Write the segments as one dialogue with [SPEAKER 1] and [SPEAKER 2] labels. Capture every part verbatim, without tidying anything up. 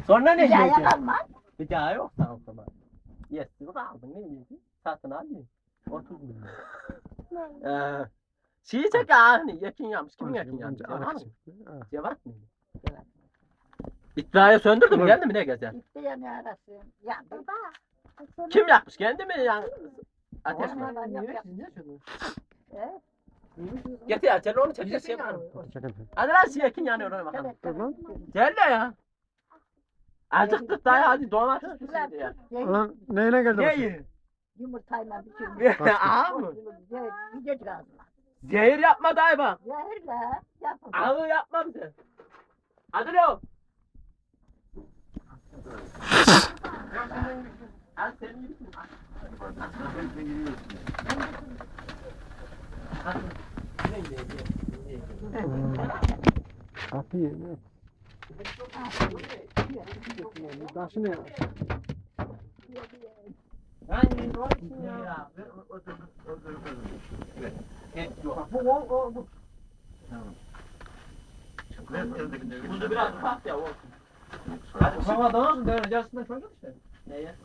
[SPEAKER 1] Sonra ne
[SPEAKER 2] Bir daha
[SPEAKER 1] yiyeceksin?
[SPEAKER 2] yakalmaz.
[SPEAKER 1] Bir daha yok sana o zaman. Yesin aldın ne yiyeceksin? Satın al ye. otuz milyon. Ee, şeyi çek hani yakin yapmış. Kimin yakin yapmış? Cevat mı? Cevat mı? İtfaiye söndürdü mü? Geldi mi ne gezer?
[SPEAKER 2] Gitti yanıyor arası. Yandı.
[SPEAKER 1] Kim yakmış? Kendi mi yani? Ateş mi?
[SPEAKER 2] Onlar yok, yok. Evet.
[SPEAKER 1] Getir ya. Sen onu çek. Çek şey var. Hadi lan şey yakin yanıyor ona bakalım.
[SPEAKER 2] Evet, evet.
[SPEAKER 1] Gel de ya. Acıktık da ya hadi domates pişirdi ya.
[SPEAKER 3] Ulan neyine geldi başına?
[SPEAKER 1] Neyi?
[SPEAKER 2] Yumurtayla bitirmiş.
[SPEAKER 1] Ağa mı?
[SPEAKER 2] Yiyecek lazım.
[SPEAKER 1] Zehir yapma dayı bak.
[SPEAKER 2] Zehirle yapın.
[SPEAKER 1] Ağı yapma bize. Hadi lo. Hadi sen yürüsün.
[SPEAKER 3] Kapıyı ne? Taşı ne?
[SPEAKER 1] Ben olsun ya. Bu o o bu. Buzu biraz ufak ya olsun. Hadi ufak adamsın böyle yarısından çocuk işte. Neye?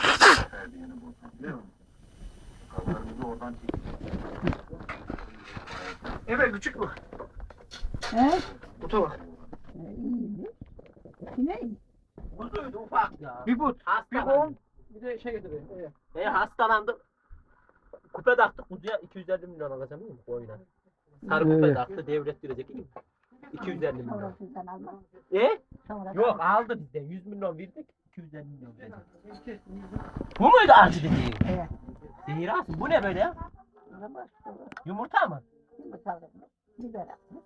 [SPEAKER 1] Evet küçük bu.
[SPEAKER 2] He?
[SPEAKER 3] Buta bak.
[SPEAKER 2] İyi. Ne?
[SPEAKER 1] Buzuydu ufak ya.
[SPEAKER 3] Bir but. Bir
[SPEAKER 1] Hastalandım.
[SPEAKER 3] on. Bir de şey getireyim. Evet.
[SPEAKER 1] E hastalandım. Kupe taktık kuzuya iki yüz elli milyon alacağım değil mi oyuna? Sarı kupe
[SPEAKER 3] Evet.
[SPEAKER 1] taktı devlet girecek iyi mi? iki yüz elli milyon.
[SPEAKER 2] Sonra sizden almaz.
[SPEAKER 1] E?
[SPEAKER 2] Sonra
[SPEAKER 1] Yok aldı bizden yüz milyon verdik iki yüz elli milyon verecek. Bu muydu acı dediğin?
[SPEAKER 2] Evet.
[SPEAKER 1] Zehir alsın. Bu ne böyle ya?
[SPEAKER 2] Sonra sonra
[SPEAKER 1] Yumurta mı?
[SPEAKER 2] yumurtalarını biber atmış.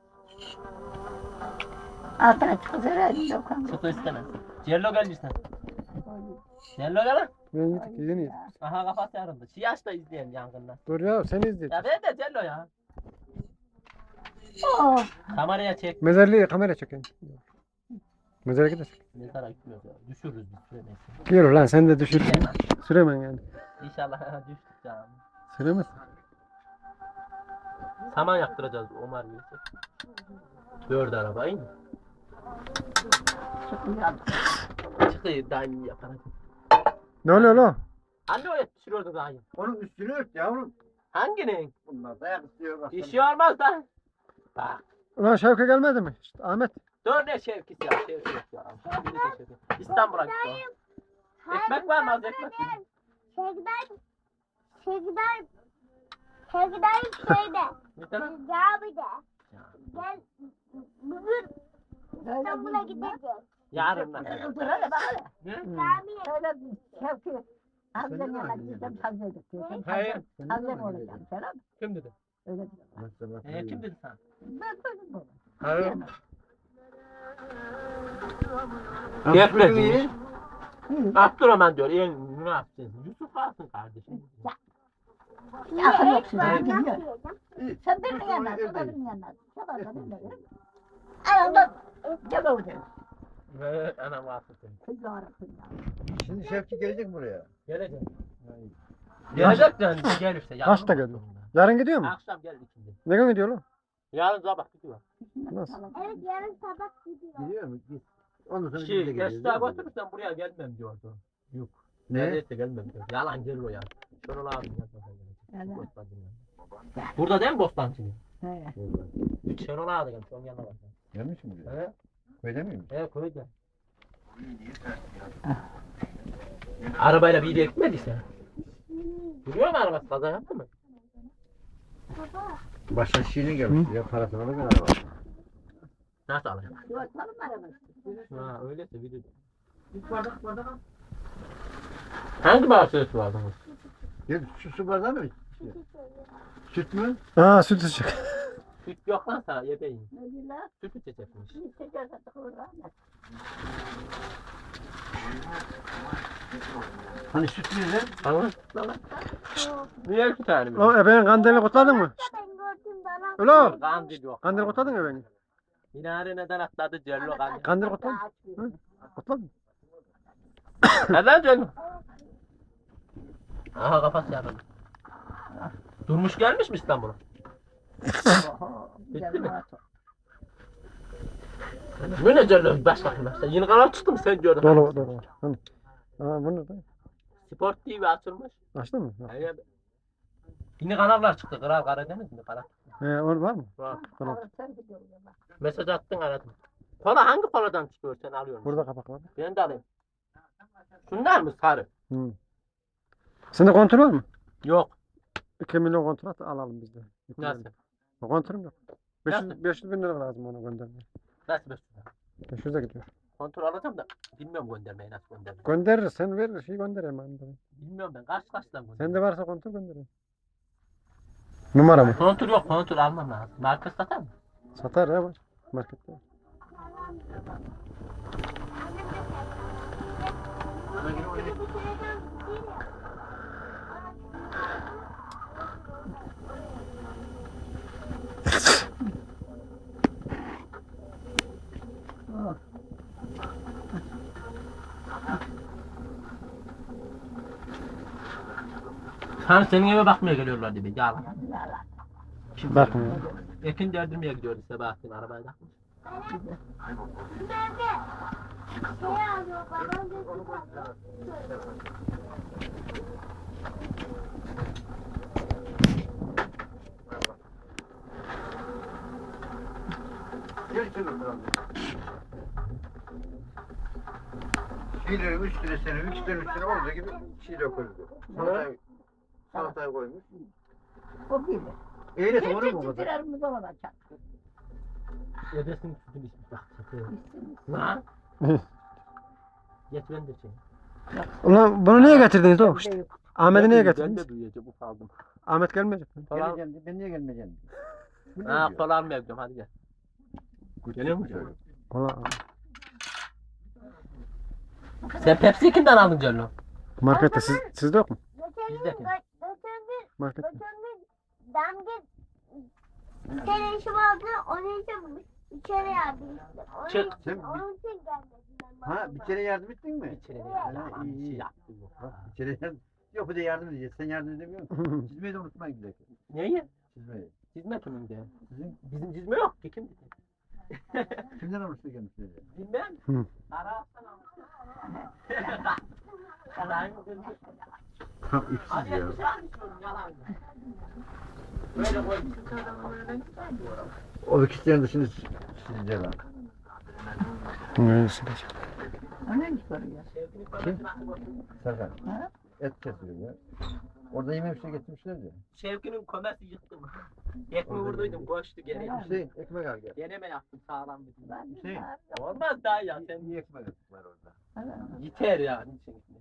[SPEAKER 2] Altına çıksa herhalde dokan.
[SPEAKER 1] Çıtı istemez. Cello gelmişsin. Cello gel lan.
[SPEAKER 3] Ben yedik, yeni yedik.
[SPEAKER 1] Aha kafası yarıldı. Şiyaş da izleyen yangından.
[SPEAKER 3] Dur ya seni izleyeceğiz.
[SPEAKER 1] Ya ver de Cello ya.
[SPEAKER 2] Oh.
[SPEAKER 1] Kameraya çek.
[SPEAKER 3] Mezarlığı kamera çekeyim. Mezara gidelim.
[SPEAKER 1] Mezara gitmiyoruz ya. Düşürürüz biz süremeyiz.
[SPEAKER 3] Gel lan sen de düşür.
[SPEAKER 1] Bilemem.
[SPEAKER 3] Süremen yani.
[SPEAKER 1] İnşallah düştük canım.
[SPEAKER 3] Süremez.
[SPEAKER 1] Saman yaktıracağız Omar Bey'e. Dört araba iyi mi?
[SPEAKER 2] Çıkıyor.
[SPEAKER 1] Çıkıyor daha iyi yaparız.
[SPEAKER 3] Ne oluyor lan?
[SPEAKER 1] Anne o yetiştiriyordu daha iyi.
[SPEAKER 4] Onun üstünü ört yavrum.
[SPEAKER 1] Hanginin?
[SPEAKER 4] Bunlar dayak istiyor bak.
[SPEAKER 1] Bir şey olmaz da. Bak.
[SPEAKER 3] Ulan Şevke gelmedi mi? İşte Ahmet.
[SPEAKER 1] Dur ne şevkisi ya şevki yok ya. Bir de şevki. İstanbul'a gitti o. Ekmek var mı az ekmek?
[SPEAKER 5] Şekder, şekder, şekder şeyde,
[SPEAKER 1] Bir tane.
[SPEAKER 5] Cami'de. Gel, bugün İstanbul'a gideceğiz.
[SPEAKER 1] Yarın lan.
[SPEAKER 2] Dur hele bak hele.
[SPEAKER 1] Ne?
[SPEAKER 5] Camiye.
[SPEAKER 2] Şöyle bir Şevki. Hamzem yana gideceğim Hamza'ya gideceğim.
[SPEAKER 1] Hayır.
[SPEAKER 2] Hamzem olacağım. Selam.
[SPEAKER 1] Kim dedi?
[SPEAKER 2] Öyle diyor.
[SPEAKER 1] Ee, kim dedi sana?
[SPEAKER 2] Ben duydum bunu.
[SPEAKER 1] Hayır.
[SPEAKER 4] Yapma
[SPEAKER 1] Gefle. Abdurrahman diyor. En münafık. Yusuf alsın kardeşim.
[SPEAKER 2] Akıl yok sizin.
[SPEAKER 5] Ben
[SPEAKER 2] Bilmiyor.
[SPEAKER 5] nasıl yiyeceğim?
[SPEAKER 2] Sen benim yanına, o da benim yanına. Sabah da benim yanına. Anamda gel orada.
[SPEAKER 1] Ve anam vasıf seni.
[SPEAKER 2] Kız yarabbim ya.
[SPEAKER 4] Şimdi Şevki gelecek buraya.
[SPEAKER 1] Gelecek. Gelecek de gelirse. yarın
[SPEAKER 3] Kaçta
[SPEAKER 1] mı?
[SPEAKER 3] geliyor? Yarın gidiyor mu?
[SPEAKER 1] Akşam geldi ikindi.
[SPEAKER 3] Ne gün gidiyor lan?
[SPEAKER 1] Yarın sabah gidiyor.
[SPEAKER 3] Nasıl?
[SPEAKER 5] Evet, yarın sabah gidiyor.
[SPEAKER 4] Gidiyor mu? Git. Ondan sonra biz de
[SPEAKER 1] Şey,
[SPEAKER 4] geleceğiz.
[SPEAKER 1] Esra götürürsen buraya gelmem diyordu. Yok.
[SPEAKER 4] Ne?
[SPEAKER 1] Neredeyse gelmem diyor. Yalan gelir o ya. Şenol abi yazmadan
[SPEAKER 2] Evet.
[SPEAKER 1] gelecek. Bostancı'nın yanına. Burada değil mi Bostancı'nın?
[SPEAKER 2] He.
[SPEAKER 1] Şenol abi gelmiş onun yanına bak.
[SPEAKER 4] Gelmiş mi buraya?
[SPEAKER 1] He?
[SPEAKER 4] Öyle miyim?
[SPEAKER 1] He köyde. Arabayla bir yere gitmediyse. Duruyor mu arabası? Kaza yaptı mı?
[SPEAKER 5] Baba,
[SPEAKER 4] Başka şiirine gelmiş. Ya parasını alır ben araba.
[SPEAKER 1] Nasıl alacak?
[SPEAKER 2] Yortmanın arabası.
[SPEAKER 1] Ha öyleyse bir de. Hangi bahçesi vardı bu?
[SPEAKER 4] Ya şu su bardağı mı? Süt mü?
[SPEAKER 3] Aa süt içecek.
[SPEAKER 1] Süt yok lan sana yebeğin.
[SPEAKER 2] Ne diyorlar?
[SPEAKER 1] Süt içecekmiş.
[SPEAKER 2] Bir sefer de doğru.
[SPEAKER 4] Hani süt mü ne?
[SPEAKER 1] Tamam. Niye iki tane mi?
[SPEAKER 3] O ebenin kandilini kutladın mı?
[SPEAKER 5] ben gördüm bana.
[SPEAKER 3] Ulan
[SPEAKER 1] Kandil yok.
[SPEAKER 3] kandil kutladın mı ebeni?
[SPEAKER 1] Minare neden atladı Cello kandil.
[SPEAKER 3] Kandil kutladın mı? Kutladın mı?
[SPEAKER 1] Neden Cello? Aha kafası yarıldı. Durmuş gelmiş mi İstanbul'a?
[SPEAKER 2] Oho. Güzel muhatap.
[SPEAKER 1] Bu ne Cello? Baş bakayım başta. Yeni kanal çıktı mı sen gördün?
[SPEAKER 3] Dolu dolu. Hani. Aa bu ne?
[SPEAKER 1] Sport T V açılmış.
[SPEAKER 3] Açtın mı? Yok.
[SPEAKER 1] Evet. Yeni kanallar çıktı. Kral Karadeniz mi? Kara.
[SPEAKER 3] He o var mı?
[SPEAKER 1] Var.
[SPEAKER 3] Tamam.
[SPEAKER 1] Mesaj attın aradım. Kola hangi koladan çıkıyor sen alıyor musun?
[SPEAKER 3] Burada kapak var.
[SPEAKER 1] Ben de alayım. Şunlar mı sarı?
[SPEAKER 3] Hı. Sende kontör var mı?
[SPEAKER 1] Yok.
[SPEAKER 3] iki milyon kontrat alalım biz de.
[SPEAKER 1] Nasıl?
[SPEAKER 3] Kontörüm yok. beş yüz,
[SPEAKER 1] Nasıl?
[SPEAKER 3] beş yüz bin lira lazım ona göndermeye.
[SPEAKER 1] Nasıl beş yüz?
[SPEAKER 3] beş yüze gidiyor.
[SPEAKER 1] Kontrol alacağım da bilmiyorum göndermeyi nasıl göndermeyi.
[SPEAKER 3] Gönderir sen ver şey göndereyim ben de.
[SPEAKER 1] Bilmiyorum ben kaç kaçtan göndermeyi.
[SPEAKER 3] Sende varsa kontör göndereyim. Numara mı?
[SPEAKER 1] Kontrol yok kontrol almam lazım. Marka satar mı?
[SPEAKER 3] Satar ya var. Markette var.
[SPEAKER 1] Hani senin eve bakmaya geliyorlar diye yalan. Kim
[SPEAKER 3] Bakmıyor.
[SPEAKER 1] Ekin derdirmeye gidiyordu Sebahattin arabaya takmış.
[SPEAKER 5] Nerede? Şey alıyor babam dedi.
[SPEAKER 4] Gel şöyle oturalım. Şeyleri üç lira sene, üç lira üç lira olduğu gibi şey döküldü. Salatayı, salatayı koymuş.
[SPEAKER 2] O gibi.
[SPEAKER 4] Eyle olur mu o
[SPEAKER 2] Kendi
[SPEAKER 4] kadar?
[SPEAKER 2] titrerimiz olacak.
[SPEAKER 1] Ödesin sütünü içmiş bak. Lan. Geç ben de şey.
[SPEAKER 3] Ulan bunu niye getirdiniz o? İşte. Ahmet'i niye
[SPEAKER 1] Ben
[SPEAKER 3] getirdiniz?
[SPEAKER 1] de duyacağım ufaldım.
[SPEAKER 3] Ahmet gelmeyecek mi?
[SPEAKER 1] Falan.
[SPEAKER 4] Geleceğim, ben niye gelmeyeceğim? Bu ne
[SPEAKER 1] Ha
[SPEAKER 4] diyor?
[SPEAKER 1] kola almaya gidiyorum hadi gel. Geliyor mu?
[SPEAKER 4] Şöyle.
[SPEAKER 3] Ulan
[SPEAKER 1] Sen Pepsi'yi kimden aldın Cello?
[SPEAKER 3] markette siz, sizde yok mu?
[SPEAKER 5] Geçen
[SPEAKER 1] Bizde
[SPEAKER 5] gün
[SPEAKER 1] kim?
[SPEAKER 5] gö- geçen gün
[SPEAKER 3] Markette.
[SPEAKER 5] geçen gün damga bir tane işim vardı. Onun için içeri yardım ettim. Onun,
[SPEAKER 1] Çık.
[SPEAKER 4] Sen
[SPEAKER 5] onun için gelmedim ben.
[SPEAKER 4] Ha bir kere yardım ettin mi?
[SPEAKER 1] İçeri
[SPEAKER 4] Ha,
[SPEAKER 1] yalan
[SPEAKER 4] iyi,
[SPEAKER 1] bir şey
[SPEAKER 4] iyi.
[SPEAKER 1] yaptım yok.
[SPEAKER 4] Bir kere yardım. Yok bir de yardım edeceğiz. Sen yardım edemiyor musun? Çizmeyi de unutmayın bir dakika.
[SPEAKER 1] Neyi?
[SPEAKER 4] Çizmeyi.
[SPEAKER 1] Cizme kimin de?
[SPEAKER 4] Sizin
[SPEAKER 1] Bizim cizme yok ki kim?
[SPEAKER 4] kimden almıştı kendisi?
[SPEAKER 1] Bilmem.
[SPEAKER 3] Hı.
[SPEAKER 1] Ara Yalan mı?
[SPEAKER 4] Tam ipsiz
[SPEAKER 1] Hadi
[SPEAKER 4] ya.
[SPEAKER 1] bir şey anlatıyorum yalan. Böyle koy.
[SPEAKER 4] O ikisinin dışında sizce var.
[SPEAKER 3] Neyse.
[SPEAKER 2] O ne soruyor?
[SPEAKER 4] Serkan.
[SPEAKER 2] Ha?
[SPEAKER 4] Et kesiyor ya. Orada yemeğe bir şey getirmişler ya.
[SPEAKER 1] Şevki'nin komesi yıktım. Ekmeği vurduydum koştu geri.
[SPEAKER 4] Hüseyin ekmek al gel.
[SPEAKER 1] Deneme yaptım sağlam bir.
[SPEAKER 4] Hüseyin.
[SPEAKER 1] Olmaz daha ya sen
[SPEAKER 4] İyi ekmek var orada.
[SPEAKER 1] yeter ya. Niçin?